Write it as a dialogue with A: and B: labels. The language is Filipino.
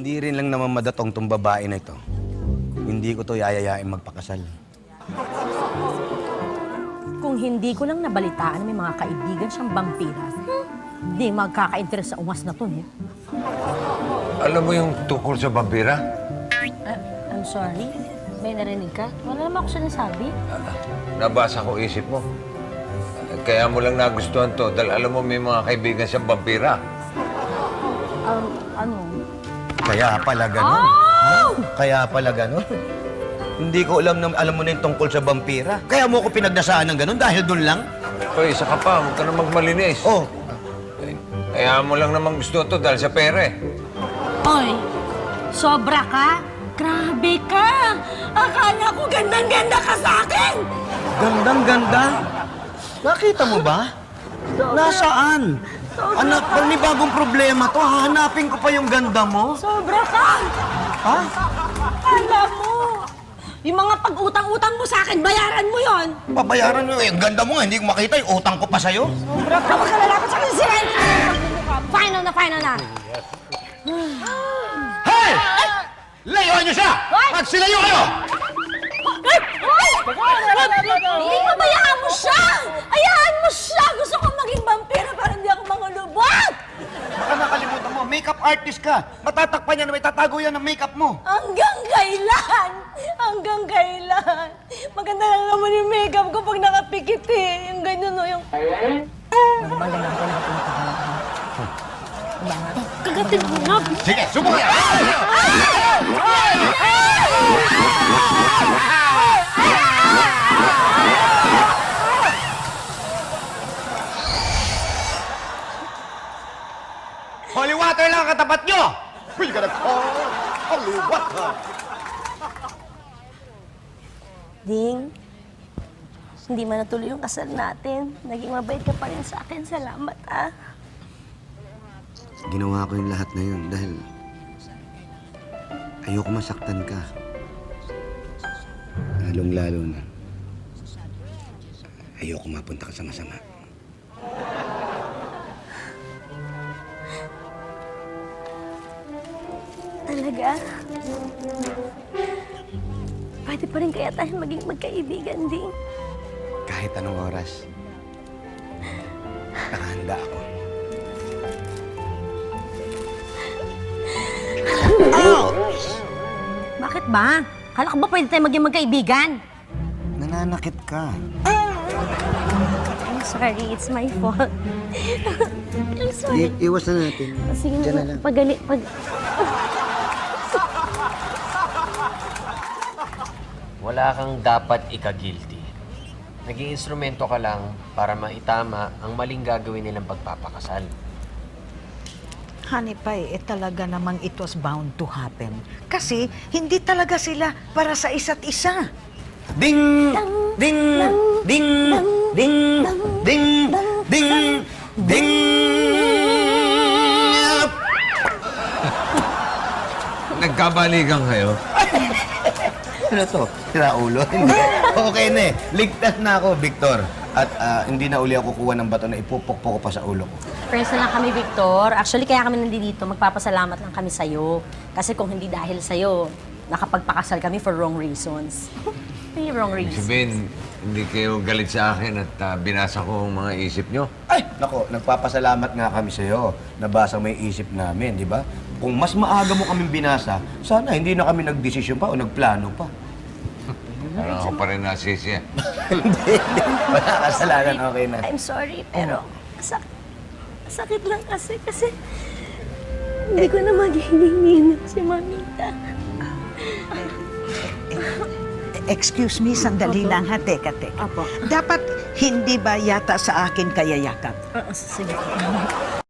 A: Hindi rin lang naman madatong tong babae na ito. Hindi ko to yayayain magpakasal.
B: Kung hindi ko lang nabalitaan na may mga kaibigan siyang vampira, hindi magkaka-interest sa ungas na to, eh.
C: Alam mo yung tungkol sa vampira?
B: I'm sorry. May narinig ka? Wala naman ako sinasabi.
C: Nabasa ko isip mo. Kaya mo lang nagustuhan to dahil alam mo may mga kaibigan siyang vampira.
B: Ano?
A: Kaya pala ganun. Kaya pala ganun. Hindi ko alam mo na yung tungkol sa vampira. Kaya mo ko pinagdasaan ng ganun dahil doon lang?
C: Hoy, isa ka pa. Huwag ka na magmalinis.
A: Oh,
C: Kaya mo lang naman gusto to dahil sa pera eh.
B: Oy, sobra ka? Grabe ka! Akala ko gandang-ganda ka sa akin!
A: gandang-ganda. Nakita mo ba? Nasaan? Anak, panibagong problema to. Hahanapin ko pa yung ganda mo.
B: Sobra ka!
A: Ha?
B: Akala mo! Yung mga pag-utang-utang mo sa akin, bayaran mo yon.
A: Babayaran mo. Yung ganda mo nga, hindi ko makita. Yung utang ko pa sa'yo.
B: Sobra ka! Huwag ka lalapit sa akin, Siren! Final na, final na!
A: Hey! Layuan niyo siya! Magsilayo kayo!
B: Hindi mo bayaan mo siya! Ayaan mo siya! Gusto kong maging vampira para hindi ako mangulubot!
A: Baka nakalimutan mo, makeup artist ka. Matatakpan yan, may tatago yan ng makeup mo.
B: Hanggang kailan? Hanggang kailan? Maganda lang naman yung makeup ko pag nakapikit eh. Yung ganyan o yung... Kagatin mo na!
A: Sige, subukan yan! Holy water lang ang katapat nyo! We gotta call holy water!
B: Ding, hindi man natuloy yung kasal natin. Naging mabait ka pa rin sa akin. Salamat, ah.
A: Ginawa ko yung lahat na yun dahil ayoko masaktan ka. Lalong-lalo na. Ayoko mapunta ka sa masama.
B: Talaga? Pwede pa rin kaya tayo maging magkaibigan, Ding?
A: Kahit anong oras, nakahanda ako.
B: Bakit ba? Kala ko ba pwede tayo maging magkaibigan?
A: Nananakit ka.
B: I'm sorry, it's my fault. I'm sorry.
A: Iwas na natin.
B: Sige
A: Diyan na
B: na,
A: lang.
B: pag...
D: Wala kang dapat ika-guilty. Naging instrumento ka lang para maitama ang maling gagawin nilang pagpapakasal.
E: Honey Pie, talaga namang it was bound to happen. Kasi hindi talaga sila para sa isa't isa.
A: Ding! Ding! Ding! Ding! Ding! Ding! Ding!
C: Nagkabalikan kayo?
A: Ano to? Sira ulo? Hindi. Okay na eh. Ligtas na ako, Victor. At hindi na uli ako kukuha ng bato na ipupukpok ko pa sa ulo ko.
B: Friends na lang kami, Victor. Actually, kaya kami nandito, magpapasalamat lang kami sa'yo. Kasi kung hindi dahil sa'yo, nakapagpakasal kami for wrong reasons. May wrong reasons.
C: Sabihin, hindi kayo galit sa akin at binasa ko ang mga isip nyo.
A: Ay! Nako, nagpapasalamat nga kami sa'yo. Nabasa mo yung isip namin, di ba? Kung mas maaga mo kaming binasa, sana hindi na kami nagdesisyon pa o nagplano pa.
C: Parang ako pa rin nasisi.
A: Hindi. Wala kasalanan, okay na.
B: I'm sorry, pero sakit lang kasi hindi ko na magiging ninang si Mamita.
E: Excuse me, sandali lang ha, teka.
B: Apo.
E: Dapat hindi ba yata sa akin kaya yakap?
B: Sige.